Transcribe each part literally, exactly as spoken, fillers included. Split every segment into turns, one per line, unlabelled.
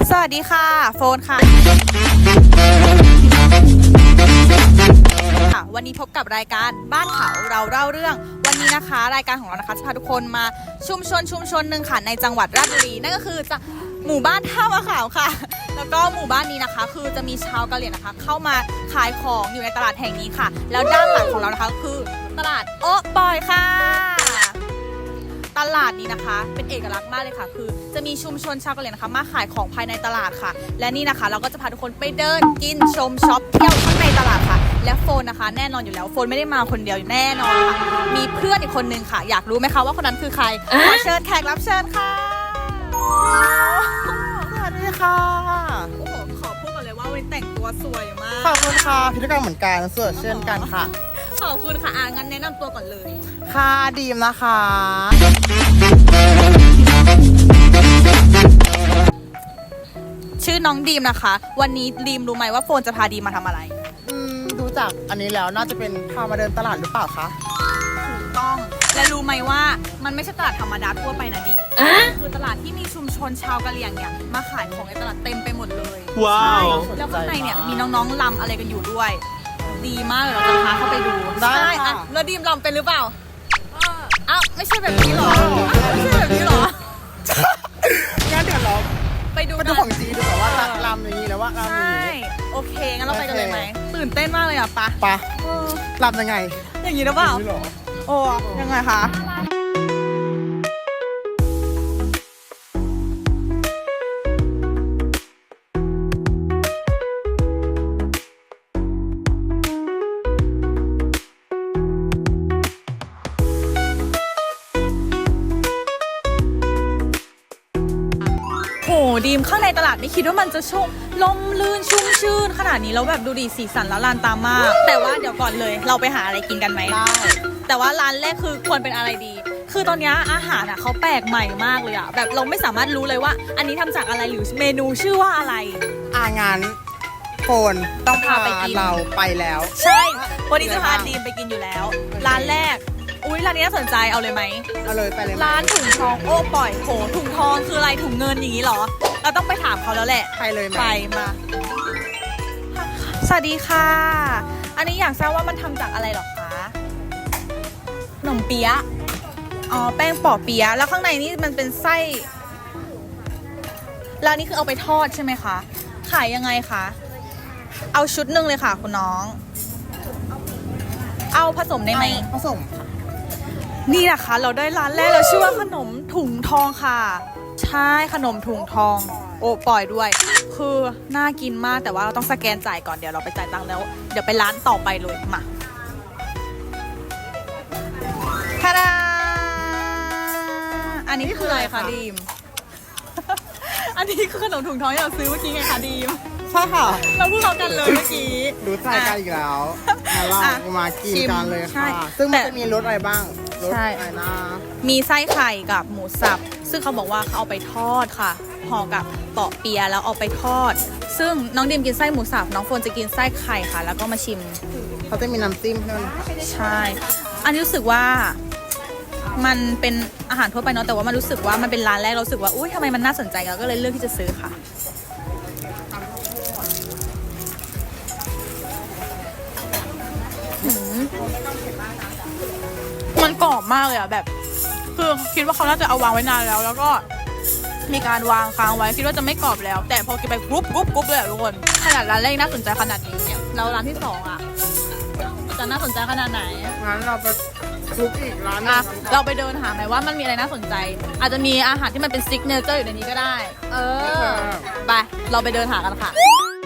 สวัสดีค่ะโฟนค่ะค่ะวันนี้พบกับรายการบ้านเขาเราเล่าเรื่องวันนี้นะคะรายการของเรานะคะจะพาทุกคนมาชุมชนชุมชนหนึ่งค่ะในจังหวัดราชบุรีนั่นก็คือจะหมู่บ้านท่ามะขามค่ะแล้วก็หมู่บ้านนี้นะคะคือจะมีชาวกะเหรี่ยงนะคะเข้ามาขายของอยู่ในตลาดแห่งนี้ค่ะแล้วด้านหลังของเรานะคะคือตลาดโอ๊ะปอยค่ะตลาดนี้นะคะเป็นเอกลักษณ์มากเลยค่ะคือจะมีชุมชนชาวกะเหรี่ยงนะคะมาขายของภายในตลาดค่ะและนี่นะคะเราก็จะพาทุกคนไปเดินกินชมช็อปเที่ยวข้างในตลาดค่ะและโฟนนะคะแน่นอนอยู่แล้วโฟนไม่ได้มาคนเดียวแน่นอนค่ะมีเพื่อนอีกคนนึงค่ะอยากรู้ไหมคะว่าคนนั้นคือใครขอเชิญแขกรับเชิญค่ะ
สวัสดีค่ะ
โอ้โหขอพูดก่อนเลยว่าวันแต่งตัวสวยมาก
ขอบคุณค่ะพิธีกรเหมือนกันสวยเช่นกันค่ะ
ขอบคุณค่ะอ่ะงั้นแนะนำตัวก่อนเลย
ค่ะดีมนะคะ
ชื่อน้องดีมนะคะวันนี้ดีมรู้ไหมว่าโฟนจะพาดีมมาทำอะไร
อืมดูจากอันนี้แล้วน่าจะเป็นพามาเดินตลาดหรือเปล่าคะ
ถูกต้องและรู้ไหมว่ามันไม่ใช่ตลาดธรรมดาทั่วไปนะดีคือตลาดที่มีชุมชนชาวกะเหรี่ยงเนี่ยมาขายของในตลาดเต็มไปหมดเลย
ว้าว
แล้วข้างในเนี่ยมีน้องๆลำอะไรกันอยู่ด้วยดีมากเลยเราจะพาเข้าไปดู
ได้
อะแล้วดีมลำเป็นหรือเปล่าอ้าวไม่ใช่แบบนี้หรอไม่ใช่แบบนี้หรอ
งั้นเดี๋ยวเรา
ไปดู
ไปดูของจีนดูแบบว่าลำอย่างนี้แล้วว่าลำอย่างนี้
โอเคงั้นเราไปกันเลยไหมตื่นเต้นมากเลยอ่ะปะ
ปะลำยังไง
อย่างนี้หรือเปล่าโอ้ยังไงคะโหดีมข้างในตลาดไม่คิดว่ามันจะชุ่มลมลื่นชุ่มชื่นขนาดนี้แล้วแบบดูดีสีสันแล้วลานตามมากแต่ว่าเดี๋ยวก่อนเลยเราไปหาอะไรกินกันไหม
ได้
แต่ว่าร้านแรกคือควรเป็นอะไรดีคือตอนนี้อาหารอ่ะเขาแปลกใหม่มากเลยอ่ะแบบเราไม่สามารถรู้เลยว่าอันนี้ทำจากอะไรหรือเมนูชื่อว่าอะไร
อ่างานโฟนต้องพาไปกินเราไปแล้ว
ใช่วันนี้จะพาดีมไปกินอยู่แล้วร้านแรกอุ้ยร้านนี้น่าสนใจเอาเลยไหม
เอาเลยไปเลย
ร้านถุงทองโอ้ปล่อยโหถุงทองคืออะไรถุงเงินอย่างนี้หรอเราต้องไปถามเขาแล้วแหละ
ไปเลยไหม
ไปมาสวัสดีค่ะอันนี้อยากทราบว่ามันทำจากอะไรหรอคะขนมเปี๊ยะอ๋อแป้งปอเปี๊ยะแล้วข้างในนี่มันเป็นไส้แล้วนี่คือเอาไปทอดใช่ไหมคะขายยังไงคะเอาชุดหนึ่งเลยค่ะคุณน้องเอาผสมได้ไหม
ผสม
นี่นะคะเราได้ร้านแรกเราชื่อว่าขนมถุงทองค่ะใช่ขนมถุงทองโอ้ปล่อยด้วยคือน่ากินมากแต่ว่าเราต้องสแกนจ่ายก่อนเดี๋ยวเราไปจ่ายตังค์แล้วเดี๋ยวไปร้านต่อไปเลยมาทาดาอันนี้คืออะไรคะดีมอันนี้คือขนมถุงทองที่เราซื้อเมื่อกี้ไงคะดีม
ใช่ค่ะ
เราพูดเรากันเลยเมื่อกี้
รู้ใจกันอีกแล้วเรามากินกันเลยค่ะซึ่งมันจะมีรสอะไรบ้างรสอะไรนะ
มีไส้ไข่กับหมูสับซึ่งเขาบอกว่าเขาเอาไปทอดค่ะห่อกับเปาะเปียแล้วเอาไปทอดซึ่งน้องดิมกินไส้หมูสับน้องโฟนจะกินไส้ไข่ค่ะแล้วก็มาชิม
เขาจะมีน้ำจิ้มใช่ไหม
ใช่อันนี้รู้สึกว่ามันเป็นอาหารทั่วไปเนาะแต่ว่ามันรู้สึกว่ามันเป็นร้านแรกเรารู้สึกว่าอุ้ยทำไมมันน่าสนใจเราก็เลยเลือกที่จะซื้อค่ะมันกรอบมากเลยอ่ะแบบคือคิดว่าเขาน่าจะเอาวางไว้นานแล้วแล้วก็มีการวางค้างไว้คิดว่าจะไม่กรอบแล้วแต่พอกินไปกรุบกรุบกรุบเลยทุกคนขนาดร้านแรกน่าสนใจขนาดนี้เนี่ยแล้วร้านที่สองอ่ะจะน่าสนใจขนาดไหน
งั้นเราไปทุกอีกร้าน
อ่ะเราไปเดินหาหน่อยว่ามันมีอะไรน่าสนใจอาจจะมีอาหารที่มันเป็นซิกเนเจอร์อยู่ในนี้ก็ได้เออไปเราไปเดินหากันค่ะ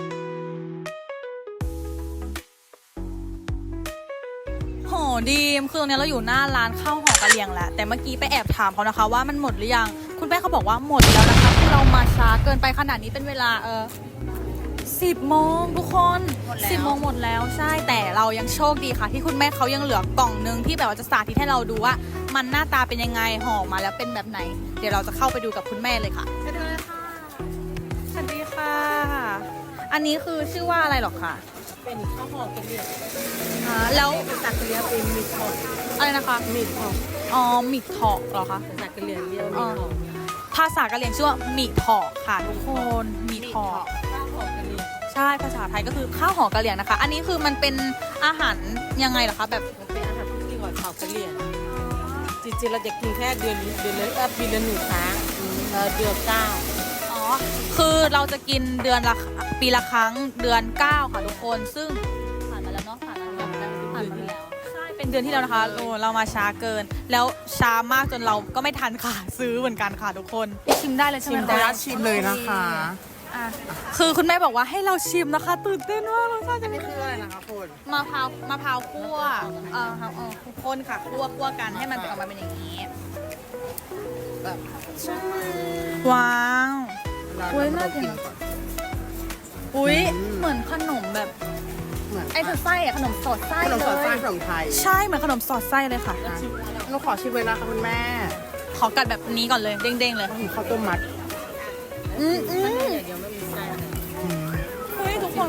โหดีมคือตรงนี้เราอยู่หน้าร้านข้าวห่อกะเหรี่ยงแหละแต่เมื่อกี้ไปแอบถามเขานะคะว่ามันหมดหรือยังคุณแม่เขาบอกว่าหมดแล้วนะคะที่เรามาช้าเกินไปขนาดนี้เป็นเวลาเออสิบโมงทุกคนสิบโมงหมดแล้วใช่แต่เรายังโชคดีค่ะที่คุณแม่เขายังเหลือกล่องนึงที่แบบว่าจะสาธิตให้เราดูว่ามันหน้าตาเป็นยังไงห่อมาแล้วเป็นแบบไหนเดี๋ยวเราจะเข้าไปดูกับคุณแม่เลยค่ะไปดูเลยค่ะสวัสดีค่ะอันนี้คือชื่อว่าอะไรหรอคะ
เป็นข้าวห่อกะเหรี่ยง
อ่าแล้ว
จากกะเหรี่ยงเป็นมิตรทอง
อะไรนะคะ
มิตรทอง
อ๋อมิตรทองเหรอคะ
จากกะเหรี่ยงเรียกมิตรทอง
ภาษากะเหรี่ยงชื่อว่าหมี่ถอกค่ะทุกคนหมี่ถอก
ข้าวหอมกะเหรี่ยง
ใช่ภาษาไทยก็คือข้าวห่อกะเหรี่ยงนะคะ อันนี้คือมันเป็นอาหารยังไงเหรอคะแบบ
มันเป็นอาหารที่กินกับข้าวกะเหรี่ยงจริงๆเราจะกินแค่เดือนเดือนละเออปีละหนึ่งครั้งเออเดือนเก้า
อ๋อคือเราจะกินเดือนละปีละครั้งเดือนเก้าค่ะทุกคนซึ่งผ่านมาแล้วเนาะผ่านมาแล้วผ่านมาแล้วใช่เป็นเดือนที่แล้วนะคะโอ้เรามาช้าเกิน แล้วช้ามากจนเราก็ไม่ทันค่ะซื้อเหมือนกันค่ะทุกคนชิมได้เลยใช่ไหม
ขออนุญา
คะ
ตชิมเลยนะคะ
อ่ะคือคุณแม่บอกว่าให้เราชิมนะคะตื่นเต้นมากรสชาติจะ
อัน
เป็
นี้
น
คืออะไรนะคะคุณ
มะพร้าวมะพร้าวคั่วเออครับเออคนค่ะคั่วคั่วกันให้มันออกมาเป็นอย่างนี้แบบว้าว โอ้ยน่ากิน อุ้ยเหมือนขนมแบบ
เหมือน
ไอ้คือไส้อะขนมสอดไส้
ขนม
เล
สดไส้
ย
ขนมไทย
ใช่เหมือนขนมสอดไส้เลยค่ะ
อ่ะหนูขอชิมเลยนะคะคุณแม่
ขอกัดแบบนี้ก่อนเลยเด้งๆเลย
ถึงข้าวต้มมัด
อืมอืม
เดี๋ยวไม่มีไส้
อืม
เฮ้ยทุกคน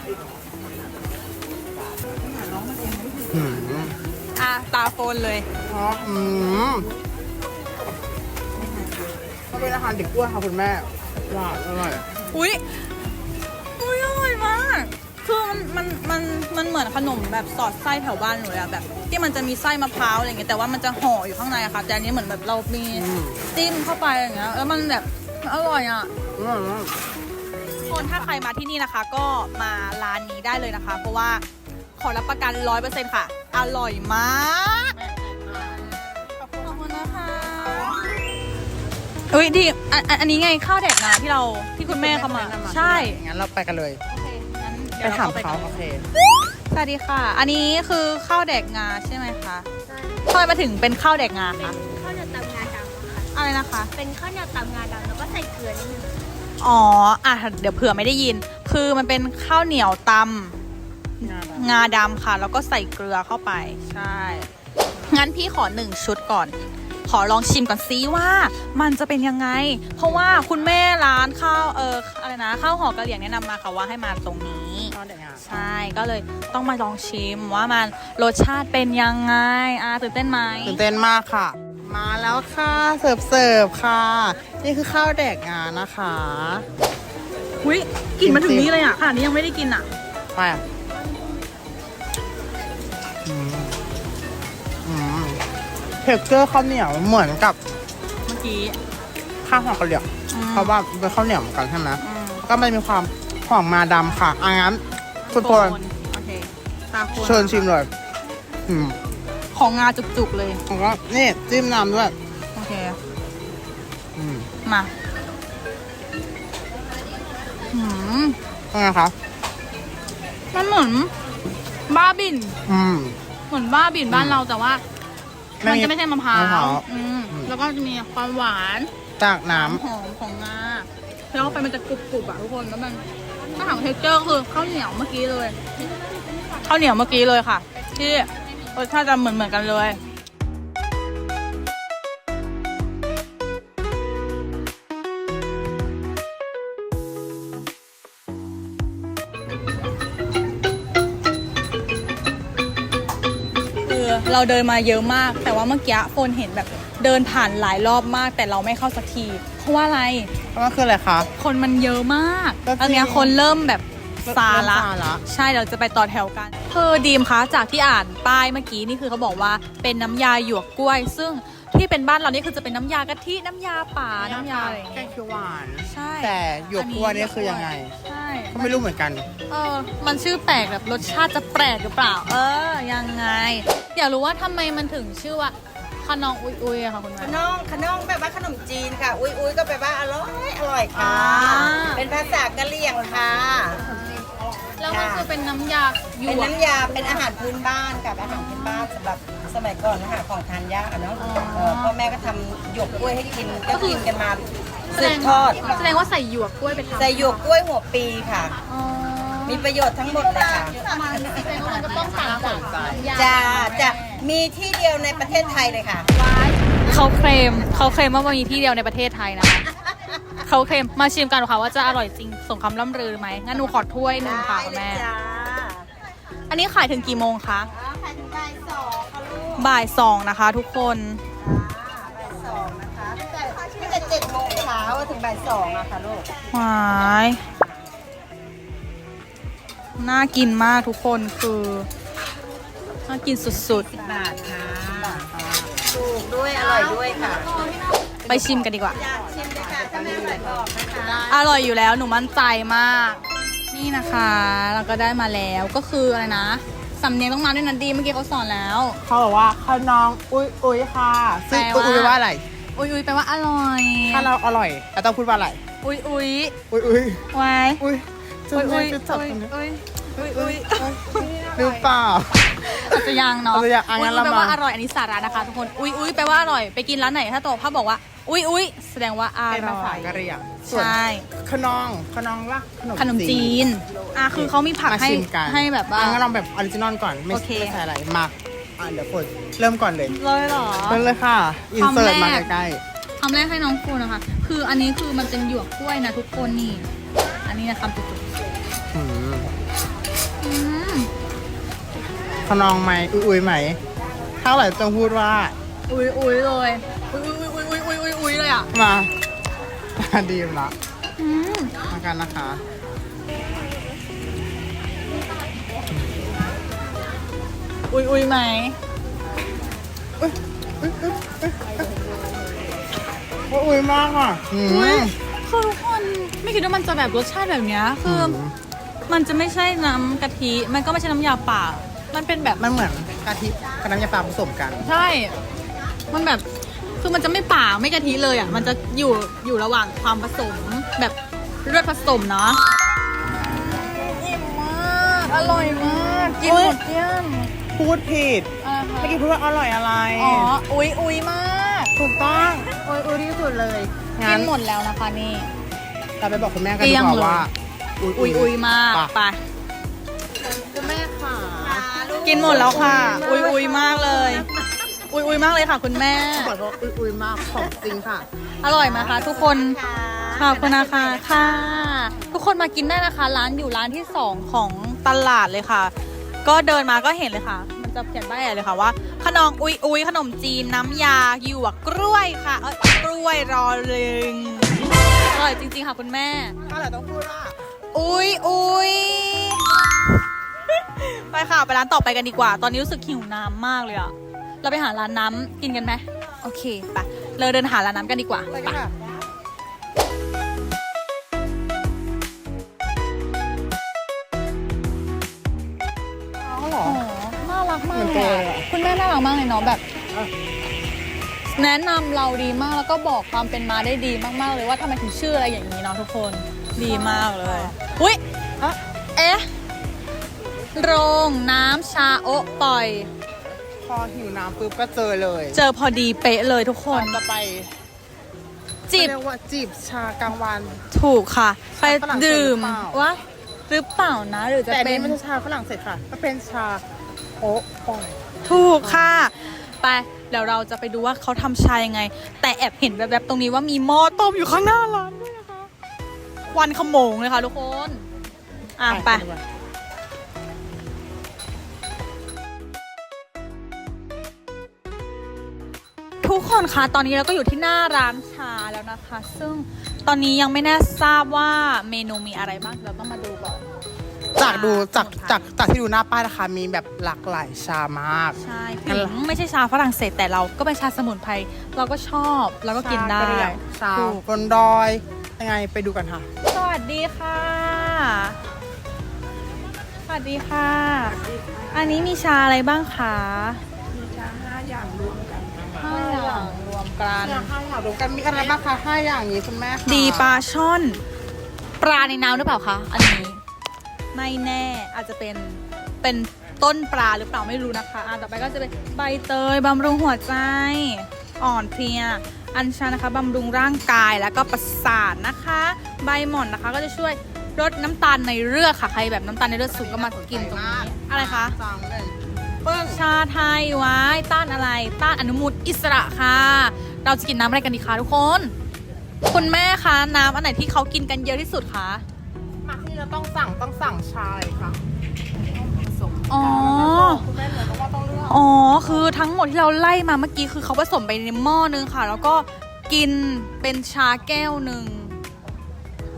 อืม
อ่ะตาโฟนเลย
อ๋ออืมก็เป็นอาหารเด็กอ้วนค่ะคุณแม่หวานอร่อย
อุ้ยอุ้ยอร่อยมากคือมันมันมันมันเหมือนขนมแบบสอดไส้แถวบ้านหนูเลยอะแบบ ที่มันจะมีไส้มะพร้าวอะไรเงี้ยแต่ว่ามันจะห่ออยู่ข้างในอะค่ะแต่อันนี้เหมือนแบบเรามี
อืม
จิ้มเข้าไปอย่างเงี้ยแล้วมันแบบอร่อยอะ
อร่อยมาก
คนถ้าใครมาที่นี่นะคะ ก็มาร้านนี้ได้เลยนะคะ เพราะว่าขอรับประกันร้อยเปอร์เซ็นต์ค่ะ อร่อยมากขอบคุณนะคะอุ้ยดีอันอันอันนี้ไงข้าวแดกนาที่เราที่คุณแม่เขามาใช่
งั้นเราไปกันเลย
โอเคงั้น
ไป
เดี๋ยว
ถาม
ร
เขา
กัน
โอเค
สวัสดีค่ะ อันนี้คือข้าวแดกงาใช่ไหมคะทำไมมาถึงเป็นข้าวแดกงา
เป็น
คะ
ข้าวเหนียวตำงาดำค่ะ
อะไรนะคะ
เป็นข้าวเหนียวตำงาดำแล้วก็ใส่เกลือนิดนึง
อ๋ออ่ะเดี๋ยวเผื่อไม่ได้ยิน คือมันเป็นข้าวเหนียวตำงาดำค่ะ แล้วก็ใส่เกลือเข้าไปใช่งั้นพี่ขอหนึ่งชุดก่อน ขอลองชิมก่อนซิว่ามันจะเป็นยังไง เพราะว่าคุณแม่ร้านข้าวเอออะไรนะข้าวห่อกะเหรี่ยงแนะนำมาค่ะว่าให้มาตรงนี้
ข้าวแดกงา
ใช่ก็เลยต้องมาลองชิมว่ามันรสชาติเป็นยังไงอ่ะตื่นเต้นไหม
ตื่นเต้นมากค่ะ มาแล้วค่ะเสิร์ฟเสิร์ฟค่ะ นี่คือข้าวแดกงานะคะ
อุ้ยกลิ่นมาถึงนี้เลยอ่ะขนาดนี้ยังไม่ได้กินอ่ะ
ไปอ่ะอืมอืมเทคเจอร์ข้าวเหนียวเหมือนกับ
เมื่อกี้
ข้าวหอมกะเหรี่ยง
อืม
เพราะว่าเป็นข้าวเหนียวเหมือนกันใช่ไหม
อืม
ก็มันมีความหอมมาดำค่ะอ่ะงั้นคุณโปรย
โอเคตาโคน
เชิญชิมเลย อืม
ของงาจุกๆเลย
แล้วก็นี่จิ้มน้ำด้วย
โอเค
อืม
มาหืม
เป็นไงคะ
มันเหมือนบ้าบิน
อืม
เหมือนบ้าบินบ้านเราแต่ว่า
ไม่
มัน
มี
จะไม่ใช่มะพร้าม
ะพร้าว ว
อืม
อืม
แล้วก็จะมีความหวาน
จากน้
หอมของงาแล้วไปมันจะกรุบๆอ่ะทุกคนแล้วมันถ้าถามเทคเจอร์คือข้าวเหนียวเมื่อกี้เลยข้าวเหนียวเมื่อกี้เลยค่ะ ที่รสชาติจะเหมือนเหมือนๆกันเลย คือเราเดินมาเยอะมาก แต่ว่าเมื่อกี้โฟนเห็นแบบเดินผ่านหลายรอบมาก แต่เราไม่เข้าสักที เพราะว่าอะไร
ำเพราะว่าคืออะไรคะ
คนมันเยอะมาก
ก็จริง
ตอนเนี้ยคนเริ่มแบบซาละ
เริ่มซาละ
ใช่เราจะไปต่อแถวกันเธอดีมคะจากที่อ่านป้ายเมื่อกี้นี่คือเขาบอกว่าเป็นน้ำยาหยวกกล้วย ซึ่งที่เป็นบ้านเรานี่คือจะเป็นน้ำยากะทิน้ำยาป่าน้ำยาอะไรอย่าง
แก
เงี้
ง
ย
เขียวหวาน
ใช่
แต่หยวกกล้วยนี่คือยังไง
ใช่
ก็ไม่รู้เหมือนกัน
เออมันชื่อแปลกแบบรสชาติจะแปลกหรือเปล่า เออยังไงอยากรู้ว่าทำไมมันถึงชื่อว่าขนองอุยอุยอะค่ะคุณแม่
ขนมขนมแปลว่าขนมจีนค่ะ อุ้ยอุ้ยก็แปลว่าอร่อยอร่อยค่ะ
อ่า
เป็นภาษากะเหรี่ยงค่ะ
แล้วมันคือเป็นน้ำยาหย
เป็น
วก
น้ำยาเป็นอาหารพื้นบ้านกับอาหารพื้นบ้านสำหรับสมัยก่อนนะคะของทานยากอะเนาะ
อ๋อ
เออพ่อแม่ก็ทำหยวกกล้วยให้กินก็กินกันมา
แส
สื
ด
บ
ง
ทอด
แสดงว่าใส่หยวกกล้วยไปทำ
ใส่หยวกกล้วยหัวปีค่ะ
อ๋อ
มีประโยชน์ทั้งหมดเลยค่ะ
แสดงว่ามันก็ต้องต่างจากน้ำยา
จะจะมีที่เดียวในประเทศไทยเลยค่ะ
เขาเคลมเขาเคลมว่ามันมีที่เดียวในประเทศไทยนะคะเขาเคลมมาชิมกันค่ะว่าจะอร่อยจริงสมคำล่ำลือไหมงั้นหนูขอถ้วยหนึ่งค่ะคุณแม่
ได้เลยจ้า
อันนี้ขายถึงกี่โมงคะ
อ๋อขายถึงบ่ายสองค่ะลูก
บ่ายสองนะคะ ทุกคน
บ่ายสองนะคะแต่ตั้งแต่เจ็ดโมงค่ะบ่ายสองอะค่ะลูก
หวายน่ากินมากทุกคนคือน่ากินสุด
บาทค่ะถูกด้วยอร่อยด้วยค่ะ
ๆ ไปชิมกันดีกว่า
อยากชิมเลยค่ะถ้าไม่อร่อยบอกนะคะ
อร่อยอยู่แล้วหนูมั่นใจมาก นี่นะคะเราก็ได้มาแล้วก็คืออะไรนะสำเนียงต้องมาด้วยนันดีเมื่อกี้เขาสอนแล้ว
เขาบอกว่าขนองอุ้ยอุ้ยค่ะซึ่ง
แปล
อุ้ย
ว่า
อุ้ยว่าอะไร
อุยอุยแปลว่าอร่อย
ถ้าเราอร่อยเราต้องพูดว่าอะไร
อุยอุย
อุ้ยอุ้ย
ไว้
อุ้ย
อุยอุย
จะจับ
อุย
ตรงนี้
อุยอุยอุย
หรือเปล่า
อาจจะยังเนาะ
อาจจะยังอ่ะ
อุย
งั้น
อุย
เรา
แปลว่า
มา
อร่อยอันนี้สาระนะคะทุกคนอุยอุยแปลว่าอร่อยไปกินร้านไหนถ้าโตภาพบอกว่าอุยอุยแสดงว่าอ
เป็น
ร่
ภา
อ
ษาย กะเหรี่ยงส่วน
ใช่
ขนองขนองว่า
ขนมจีนอ่ะคือเขามีผัก
มา
ให้
ชิมกัน
ให้แบบว่า
อ่ะงั้นลองแบบออริจินอลก่อนไม่
โอเค
ไม่ใส่อะไรมาอ่ะเดี๋ยวฝนเริ่มก่อนเลย
เลยเหรอ
เริ่มเลยค่ะ อินเสิร์ตมาใกล้
คำแรกให้น้องฟูนะคะ คืออันนี้คือมันเป็นหยวกกล้วยนะทุกคนนี่ อันนี้นะคำจุก
ๆอืม
ๆอืม
ขนองไหมอุ้ยอุ้ยไหมถ้าไหร่ต้องพูดว่า
อุ้ยอุ้ยเลยอุ้ยอุ้ยอุ้ยอุ้ยอุ้ยอุ้ยอุ้ยเลยอ่ะ
มามาดีมละ
อืม
มากันนะคะ
อุ้ยอุ้ยไหม
อุ้ยอุ้ยมากอ่ะอืม
อุ้ยคือทุกคนไม่คิดว่ามันจะแบบรสชาติแบบเนี้ยคืออ
ม
มันจะไม่ใช่น้ำกะทิ มันก็ไม่ใช่น้ำยาป่า มันเป็นแบบ
มันเหมือนกะทิกับน้ำยาปลาผสมกัน
ใช่ มันแบบ คือมันจะไม่ป่าไม่กะทิเลยอ่ะ มันจะอยู่อยู่ระหว่างความผสมแบบเลือดผสมเนาะอิ่มมาก อร่อยมากกินหมดเกลี้ยง
พูดผิด
อะไรคะ
เมื่อกี้พูดว่าอร่อยอะไร
อ๋อ อุ้ยอุ้ยมาก
ถูกต้องอุ้ยอุ้ยที่สุดเลย
กิ
งั้น
นหมดแล้วนะคะนี่
เราไปบอกคุณแม่กัน
เกลี้
ดี
ยง
กว่า
เลย
ว่า
อุ้ยอุ้ยมาก
ไป
ไป
คุณแม่ค่ะ
กินหมดแล้วค่ะ อุ้ยอุ้ยมากเลย อุ้ยอุ้ยมากเลยค่ะ คุณแม่
ขอโทษอุ้ยอุ้ยมากของจริงค่ะ
อร่อยไหมคะทุกคนขอบคุณนะคะค่ะ ทุกคนมากินได้นะคะ ร้านอยู่ร้านที่สองของตลาดเลยค่ะ ก็เดินมาก็เห็นเลยค่ะ มันจะเขียนป้ายใหญ่เลยค่ะว่าขนมอุ้ยอุ้ยขนมจีนน้ำยาหยวกกล้วยค่ะเอ้ยกล้วยรอลึงอร่อยจริงๆค่ะคุณแม่
ถ้าไหร่ต้องพูดว่า
อุ้ยอุ้ยไปค่ะไปร้านต่อไปกันดีกว่า ตอนนี้รู้สึกหิวน้ำมากเลยอะเราไปหาร้านน้ำกินกันไหมโอเคไปเราเดินหาร้านน้ำกันดีกว่า
อะไร
ไป
กันค่ะอ๋อเหรอ
อ๋อน่ารักมาก
เหมือน
เล
ตั
ยว
เลย
อะ
อะ
คุณแม่น่ารักมากเลยเนาะแบบ
เอ้า
แนะนำเราดีมากแล้วก็บอกความเป็นมาได้ดีมากๆเลยว่าทำไมถึงชื่ออะไรอย่างนี้เนาะทุกคนดีมากเลยอุ้ย
อะ
เอ๊ะโรงน้ำชาโอะปล่อย
พอหิวน้ำปุ๊บก็เจอเลย
เจอพอดีเป๊ะเลยทุกคน
เราจะไป
จีบ
เรียกว่าจีบชากลางวัน
ถูกค่ะ ไป
ฝรั่งเศส
ดื่ม
หรือเปล่า
วะหรือเปล่านะ หรือจะ
แต่อัน
เป็
นี้
น
ไม่ใช่ชาฝรั่งเศสค่ะก็เป็นชาโอ๊ะปล่อย
ถูกค่ะ ไปเดี๋ยวเราจะไปดูว่าเขาทำชายังไง แต่แอบเห็นแวบๆตรงนี้ว่ามีหม้อต้มอยู่ข้างหน้าร้านด้วยนะคะควันขโมงเลยค่ะทุกคนอ่ะไป
ดีกว่า
ทุกคนคะตอนนี้เราก็อยู่ที่หน้าร้านชาแล้วนะคะ ซึ่งตอนนี้ยังไม่แน่ทราบว่าเมนูมีอะไรบ้างเราต้องมาดูก่อน
จากดูจากจากจากที่ดูหน้าป้ายนะคะมีแบบหลากหลายชามาก
ใช่ถึงไม่ใช่ชาฝรั่งเศสแต่เราก็เป็นชาสมุนไพรเราก็ชอบเราก็กินได้
ชากะเหรี่ยงชา
ถูก
บนดอย ยังไงไปดูกันค่ะ
สวัสดีค่ะ สวัสดีค่ะ อันนี้มีชาอะไรบ้างคะมีชาห้าอย่างรวมกันห้าอย่างรวมกัน
เนี่ยห้าอย่างรวมกันมีอะไรบ้างคะห้าอย่างนี้คุณแม่คะ
ดีปลาช่อน ปลาในน้ำหรือเปล่าคะอันนี้ไม่แน่อาจจะเป็นเป็นต้นปลาหรือเปล่าไม่รู้นะคะอ่ะต่อไปก็จะเป็นใบเตยบำรุงหัวใจ อ่อนเพลีย อัญชันนะคะบำรุงร่างกายแล้วก็ประสาทนะคะ ใบหม่อนนะคะก็จะช่วยลดน้ำตาลในเลือดค่ะใครแบบน้ำตาลในเลือดสูงก็มากินตรงนี้อะไรคะ
สองหนึ่งปึ้ง
ชาไทยไว้ต้านอะไร ต้านอนุมูลอิสระค่ะ เราจะกินน้ำอะไรกันดีคะทุกคน คุณแม่คะน้ำอันไหนที่เขากินกันเยอะที่สุดคะ
มาที่เราต้องสั่งต้องสั่งชาเลยค่ะ
อ๋อ
คุณแม่เหนือต้องว่าต้องเลือก
อ๋อ คือทั้งหมดที่เราไล่มาเมื่อกี้คือเขาผสมไปในหม้อนึงค่ะ แล้วก็กินเป็นชาแก้วหนึ่ง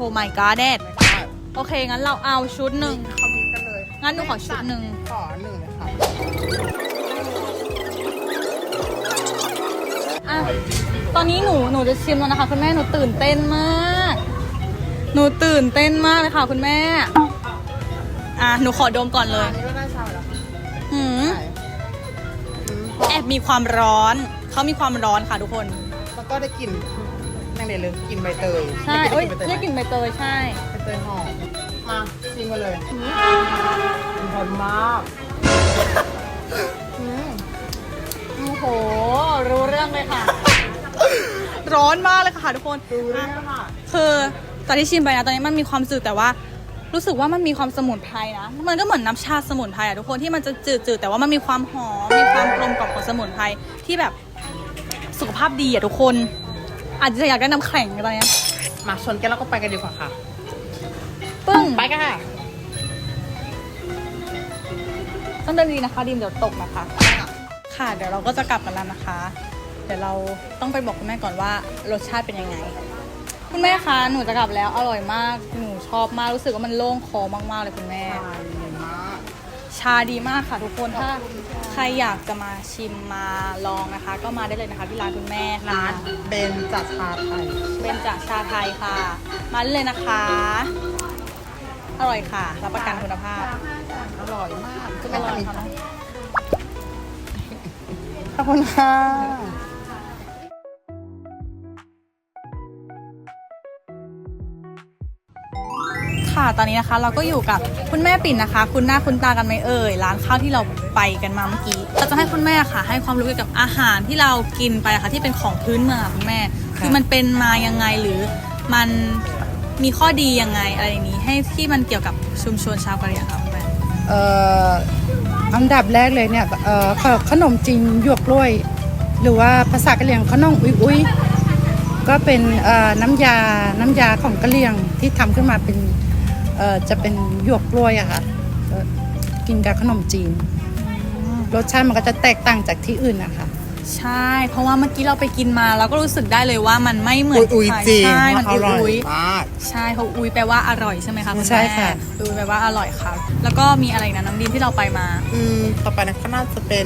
Oh my god เด็ดโอเคงั้นเราเอาชุดหนึ่ง
เขามีกันเลย
งั้นหนูขอชุดหนึ่ง
ขอหนึ่งเลยค่ะ
อ่ะตอนนี้หนูหนูจะชิมแล้วนะคะคุณแม่หนูตื่นเต้นมาก หนูตื่นเต้นมากเลยค่ะคุณแม่อ่ะหนูขอดมก่อนเลย
อันนี้ก็ได้ชาเหรอ
หืม
ใช่อืม
แอบมีความร้อนเขามีความร้อนค่ะทุกคน
แล้วก็ได้กลิ่นนั่งเดี๋ยวเลยกลิ่นใบเตย
ใช่
ได้
เอ้ย
กลิ่นใบเตย
ได้กลิ่นใบเตยใช่
ใบเตยหอมมาชิมกันเลยหอมมาก
อืมโอ้โหรู้เรื่องเลยค่ะ ร้อนมากเลยค่ะทุกคน
ดูเลยค่ะ
คือตอนที่ชิมไปนะตอนนี้มันมีความจืดแต่ว่ารู้สึกว่ามันมีความสมุนไพรนะมันก็เหมือนน้ำชาสมุนไพรอะทุกคนที่มันจะจืดๆแต่ว่ามันมีความหอมมีความกลมกล่อมของสมุนไพรที่แบบสุขภาพดีอะทุกคนอาจจะอยากได้น้ำแข็งตอนนี้
มาชนกันแล้วก็ไปกันดีกว่าค่ะ
ปึ้ง
ไปกันค่ะ
ต้องเดินดีนะคะดีมเดี๋ยวตกนะคะค่ะเดี๋ยวเราก็จะกลับกันแล้วนะคะ เดี๋ยวเราต้องไปบอกคุณแม่ก่อนว่ารสชาติเป็นยังไง คุณแม่คะหนูจะกลับแล้วอร่อยมากหนูชอบมากรู้สึกว่ามันโล่งคอมากๆเลยคุณแม่ ชาดีมากค่ะทุกคนถ้าใครอยากจะมาชิมมาลองนะคะ ก็มาได้เลยนะคะที่ร้านคุณแม่ค่ะ
ร้านเบนจัดชาไทย
เป็นจากชาไทยค่ะ มาได้เลยนะคะ อร่อยค่ะรับประกันคุณภาพ
อร่อยมาก
อร่อยค่ะ
ขอบคุณค่ะ
ค่ะตอนนี้นะคะเราก็อยู่กับคุณแม่ปิ่นนะคะ คุณหน้าคุณตากันไหมเอ่ยร้านข้าวที่เราไปกันมาเมื่อกี้เราจะให้คุณแม่ค่ะ ให้ความรู้เกี่ยวกับอาหารที่เรากินไปนะคะที่เป็นของพื้นเมืองค่ะคุณแม่ คือมันเป็นมายังไงหรือมันมีข้อดียังไงอะไรอย่างนี้ ให้ที่มันเกี่ยวกับชุมชนชาวกะเหรี่ยงค่ะคุณแม่
เอ่ออันดับแรกเลยเนี่ยเอ่อขขนมจีนหยวกกล้วย หรือว่าภาษากะเหรี่ยงขนมอุ้ยอุ้ยก็เป็นเอ่อน้ำยาน้ำยาของกะเหรี่ยงที่ทำขึ้นมาเป็นเอ่อจะเป็นหยวกกล้วยอะค่ะเอ่อกินกับขนมจีนรสชาติมันก็จะแตกต่างจากที่อื่นนะคะ
ใช่ เพราะว่าเมื่อกี้เราไปกินมาเราก็รู้สึกได้เลยว่ามันไม่เหมือน
อุ้ย
ใคร
จริง
ใช่มัน
อ
อุ้ย
ร่อย
อุ้ย
มาก
ใช่เขาอุ้ยแปลว่าอร่อยใช่ไหมคะคุณแม่
ใช่ค่ะ
อุ้ยแปลว่าอร่อยค่ะ แล้วก็มีอะไรนะน้ำดินที่เราไปมา
อืมต่อไปนะก็น่าจะเป็น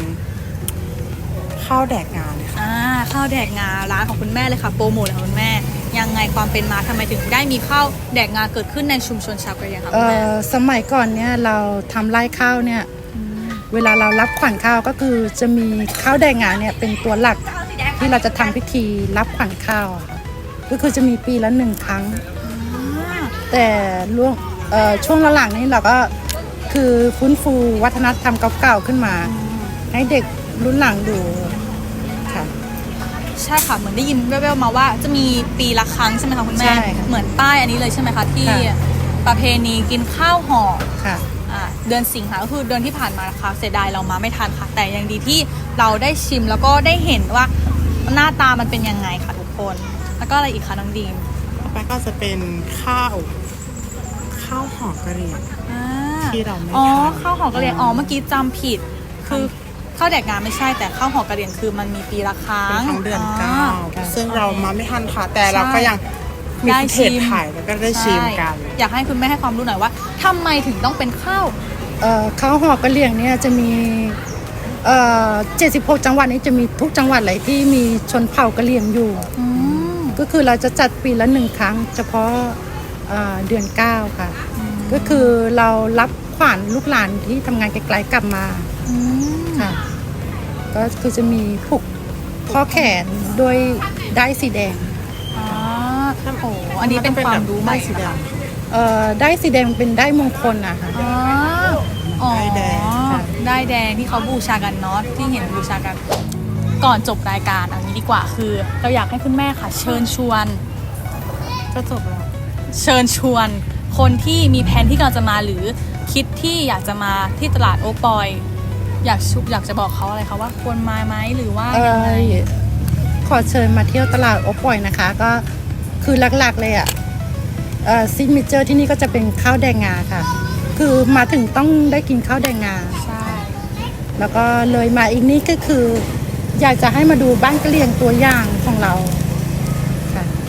ข้าวแดกงานเลยค่ะ
อ่าข้าวแดกงาร้านของคุณแม่เลยค่ะโปรโมทเลยค่ะคุณแม่ยังไงความเป็นมาทำไมถึงได้มีข้าวแดกงาเกิดขึ้นในชุมชนชาวกะเหรี่ยงคะคุ
เอ่
ณแม่
อสมัยก่อนเนี่ยเราทำไร่ข้าวเนี่ยเวลาเรารับขวัญข้าวก็คือจะมีข้าวแดงงาเนี่ยเป็นตัวหลักที่เราจะทำพิธีรับขวัญข้าวอะค่ะก็คือจะมีปีละหนึ่งครั้ง แต่ล่วงเอ่อช่วงหลังๆนี้เราก็คือฟื้นฟูวัฒนธรรมเก่าๆขึ้นมา ให้เด็กรุ่นหลังดูค่ะ
ใช่ค่ะเหมือนได้ยินแว่วๆมาว่าจะมีปีละครั้งใช่ไหมคะคุณแม่
ใช่ค่ะ
เหมือนป้ายอันนี้เลยใช่ไหมคะที่
ค่ะ
ประเพณีกินข้าวห่อ
ค่ะ
อ่าเดือนสิงหาก็คือเดือนที่ผ่านมานะคะเสียดายเรามาไม่ทันค่ะ แต่ยังดีที่เราได้ชิมแล้วก็ได้เห็นว่าหน้าตามันเป็นยังไงค่ะทุกคน แล้วก็อะไรอีกคะน้องดีม
ต่อไปก็จะเป็นข้าวข้าวห่อกะหรี่
อ่า
ที่เราไม่
อ๋อ
ทาน
ข้าวหอกระเหรี่ยงอ๋อเมื่อกี้จำผิด คือข้าวแดกงานไม่ใช่แต่ข้าวหอกระเหรี่ยงคือมันมีปีละครั้
เป็น
ง
ครั้งเดือนเก้า
อ๋อ
ซึ่งเรามาไม่ทันค่ะ แต่เราก็ยังมี
ได้
เพ
ชิ
จ
ม
ถ่ายแล้วก็ได้ชิมกัน
ใช่อยากให้คุณแม่ให้ความรู้หน่อยว่าทำไมถึงต้องเป็นข้าว
เอ่อข้าวหอกกะเหรี่ยงเนี่ยจะมีเอ่อเจ็ดสิบหกจังหวัดนี้จะมีทุกจังหวัดเลยที่มีชนเผ่ากะเหรี่ยงอยู่
อืม
ก็คือเราจะจัดปีละหนึ่งครั้ง เฉพาะเอ่อเดือนเก้าค่ะ ก็คือเรารับขวัญลูกหลานที่ทำงานไกลๆกลับมา
อืม
ค่ะ ก็คือจะมีผูกข้อแขนด้วยได้ายสีแดง
อ๋อโอ้โหอันนี้เป็นความรู้ใหม่
สีแดง
เอ่อได้ายสีแดงเป็นได้ายมงคลนะคะ
อ๋ออ๋อ
ด้ายแดงค่ะ
ได้ายแดงที่เขาบูชากันเนาะที่เห็นบูชากัน ก่อนจบรายการอันนี้ดีกว่าคือ เราอยากให้คุณแม่ค่ะ เชิญชวน
ก็จบแล้ว
เชิญชวน คนที่มีแผนที่กำลังจะมาหรือคิดที่อยากจะมาที่ตลาดโอปอย อยากชุอยากจะบอกเขาอะไรคะว่าควรมาไหมหรือว่า
เอ่
ยังไง
อขอเชิญมาเที่ยวตลาดโอปอยนะคะ ก็คือหลักๆเลยอ่ะซิกเนเจอร์ที่นี่ก็จะเป็นข้าวแดงงาค่ะ คือมาถึงต้องได้กินข้าวแดงงา
ใช่
แล้วก็เลยมาอีกนี้ก็คือ อยากจะให้มาดูบ้านกะเหรี่ยงตัวอย่างของเราค่ะ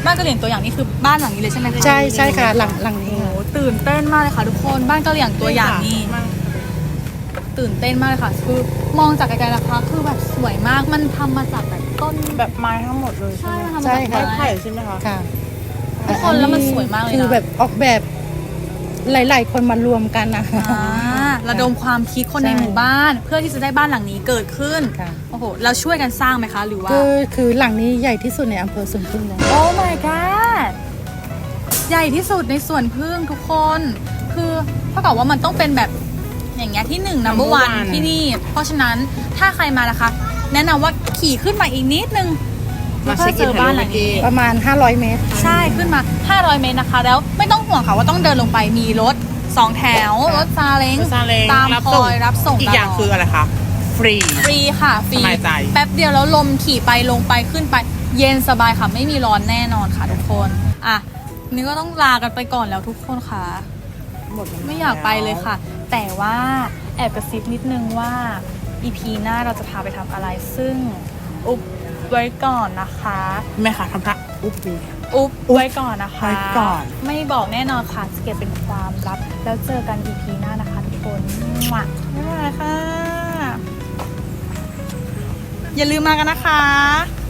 บ้านกะเหรี่ยงตัวอย่างนี้คือบ้านหลังนี้เลยใช่ไหมคะ
ใช่ใช่ค่ะหลังหลังนี้
โอ้โห
ค่ะ
ตื่นเต้นมากเลยค่ะทุกคนบ้านกะเหรี่ยงตัวอย่างนี้ตื่นเต้นมากเลยค่ะ คือมองจากไกลๆนะคะ คือแบบสวยมากมันทำมาจากแบบต้น
แบบไม้ทั้งหมดเลย
ใช่มันทำมา
ใช่
จาก
ค่ะ
ไม้
ไผ่ใช่ไหมคะ
ค่ะ
ทุกคนแล้วมันสวยมากเลยนะ
คือแบบออกแบบหลาย ๆ คนมารวมกันนะ
อ่าระดมความคิดคนใน
ใช่
หมู่บ้าน เพื่อที่จะได้บ้านหลังนี้เกิดขึ้น
ค่ะ
โอ้โหเราช่วยกันสร้างไหมคะ หรือว่า
ก็คือหลังนี้ใหญ่ที่สุดในอำเภอสวนพึ่งเลย
โอ้ my god ใหญ่ที่สุดในสวนพึ่งทุกคน คือเท่ากับว่ามันต้องเป็นแบบอย่างเงี้ยที่หนึ่ง number one ที่นี่ เพราะฉะนั้นถ้าใครมานะคะ แนะนำว่าขี่ขึ้นมาอีกนิดนึง
มา
เพื่
เช็
อ
ค
เจ
อิน
อบ้านหลังนี้
ประมาณห้าร้อยเมตร
ใช่ขึ้นมา ห้าร้อย เมตรนะคะ แล้วไม่ต้องห่วงค่ะว่าต้องเดินลงไปมีรถสองแถว รถซาเล้ง
ซาเล้ง
ตาม
รับ
ค
ส่ง
อยรับส่ง
อีกอย่าง
ตลด
คืออะไรคะ ฟรี
ฟรีค่ะฟรี
สบายใจ
แป๊บเดียวแล้วลมขี่ไปลงไปขึ้นไป เย็นสบายค่ะไม่มีร้อนแน่นอนค่ะทุกคนอ่ะนี่ก็ต้องลากันไปก่อนแล้วทุกคนค่ะ
หมดแล้ว
ไม่อยากไปเลยค่ะ แต่ว่าแอบกระซิบนิดนึงว่า อี พี หน้าเราจะพาไปทำอะไรซึ่งอุบไว้ก่อนนะคะ
แม่ค่ะทำท่าอุ๊บดี
อุบไว้ก่อนนะคะ
ไว้ก่อน
ไม่บอกแน่นอนค่ะจะเก็บเป็นความลับ แล้วเจอกัน อี พี หน้านะคะทุกคนมั่วบ๊ายบายค่ะ อย่าลืมมากันนะคะ